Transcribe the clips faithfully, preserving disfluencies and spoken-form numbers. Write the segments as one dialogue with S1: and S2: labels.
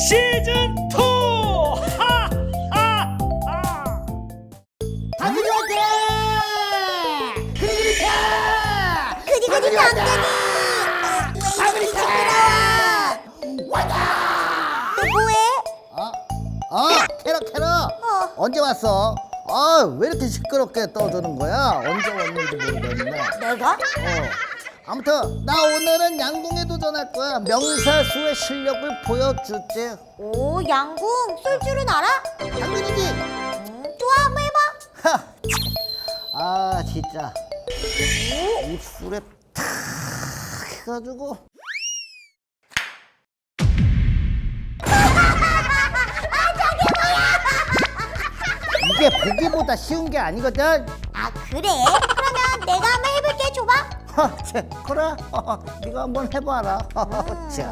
S1: 시즌 투! 하하하!
S2: 당근이한테! 그리그리타!
S3: 그리그리 당근이!
S2: 당근이타!
S3: 왔다! 너 뭐해?
S2: 어? 어, 캐러 캐러!
S3: 어.
S2: 언제 왔어? 아, 왜 이렇게 시끄럽게 떠드는 거야? 언제 왔는지 모르겠네.
S3: 내가?
S2: 어. 아무튼 나 오늘은 양궁에 도전할 거야. 명사수의 실력을 보여주지.
S3: 오, 양궁 쏠 줄은 알아?
S2: 당근이지?
S3: 음, 좋아, 한번 해봐.
S2: 하! 아, 진짜 입술에 탁 해가지고. 이게 보기보다 쉬운 게 아니거든.
S3: 아, 그래? 그러면 내가 한번 해볼게. 줘봐.
S2: 어, 자, 그래. 어, 네가 한번 해봐라.
S3: 음.
S2: 자.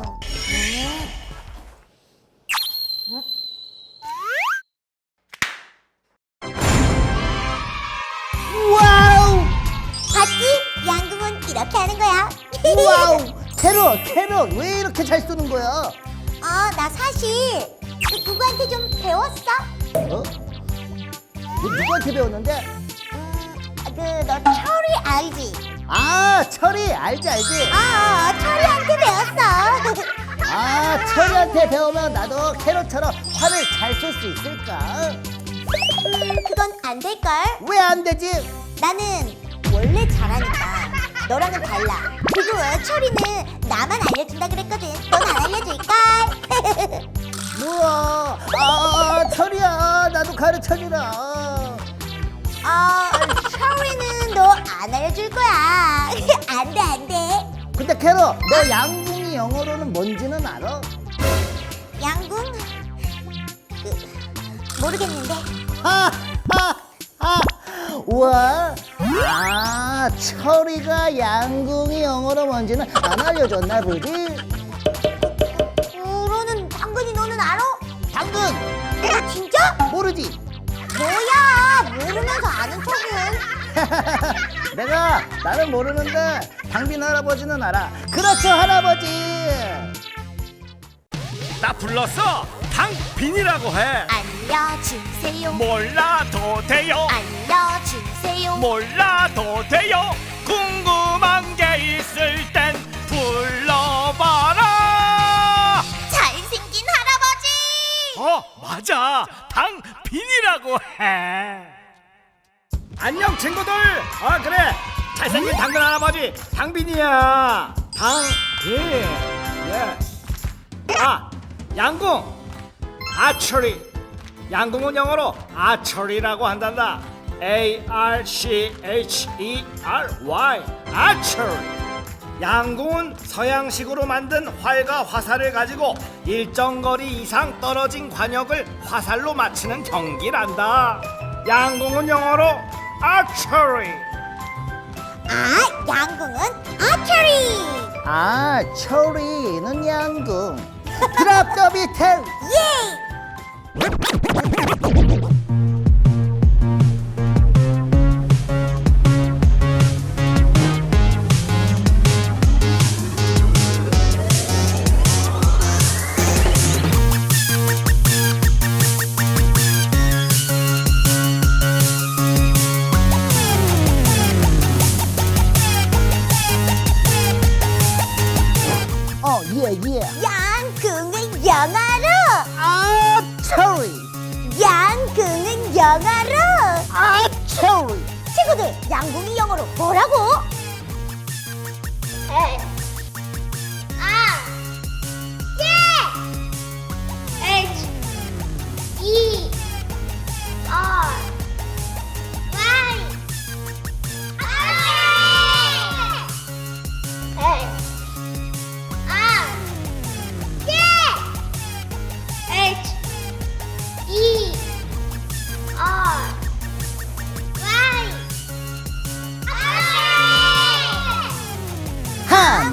S2: 와우!
S3: 봤지? 양궁은 이렇게 하는 거야.
S2: 와우! 캐럿, 캐럿, 왜 이렇게 잘 쏘는 거야?
S3: 아, 나 사실 그 누구한테 좀 배웠어.
S2: 어? 너 누구한테 배웠는데?
S3: 음, 그 너 철이 알지?
S2: 아, 철이 알지 알지?
S3: 아, 철이한테 배웠어.
S2: 아, 철이한테 배우면 나도 캐럿처럼 활을 잘 쏠 수 있을까?
S3: 음, 그건 안 될걸?
S2: 왜 안 되지?
S3: 나는 원래 잘하니까. 너랑은 달라. 그리고 철이는 나만 알려준다 그랬거든. 넌 안 알려줄까?
S2: 뭐야? 아, 철이야, 나도 가르쳐주라.
S3: 어, 철이는 너 안 알려줄 거야. 안 돼, 안 돼.
S2: 근데 캐럿, 너 양궁이 영어로는 뭔지는 알아?
S3: 양궁? 그, 모르겠는데.
S2: 하, 하, 하. 우와, 아, 철이가 양궁이 영어로 뭔지는 안 알려줬나 보지?
S3: 그러는 당근이 너는 알아?
S2: 당근,
S3: 어, 진짜?
S2: 모르지?
S3: 뭐야, 모르면서 아는 척은.
S2: 내가 나는 모르는데 당빈 할아버지는 알아. 그렇죠, 할아버지.
S1: 나 불렀어! 당빈이라고 해!
S3: 알려주세요.
S1: 몰라도 돼요!
S3: 알려주세요.
S1: 몰라도 돼요! 궁금한 게 있을 땐 불러봐라!
S3: 잘생긴 할아버지.
S1: 어, 맞아! 당빈이라고 해! 안녕 친구들! 아 그래! 잘생긴 당근 할아버지 당빈이야! 당빈! 예. 아! 양궁! 아처리! 양궁은 영어로 아처리라고 한단다. A R C H E R Y 아처리! 양궁은 서양식으로 만든 활과 화살을 가지고 일정 거리 이상 떨어진 관역을 화살로 맞히는 경기란다. 양궁은 영어로 archery.
S3: 아, 양궁은 아처리.
S2: 아, 철이는 양궁. 드랍 더 비틀.
S3: 예.
S2: 어, 예, 예.
S3: 양궁은 영어로.
S2: 아, 철이.
S3: 양궁은 영어로.
S2: 아, 철이.
S3: 친구들, 양궁이 영어로 뭐라고? 아, 예. H E R Y. 아, H E R Y.
S2: 하,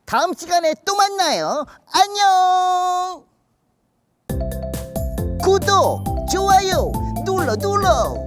S2: 다음 시간에 또 만나요. 안녕. 구독, 좋아요 눌러 눌러.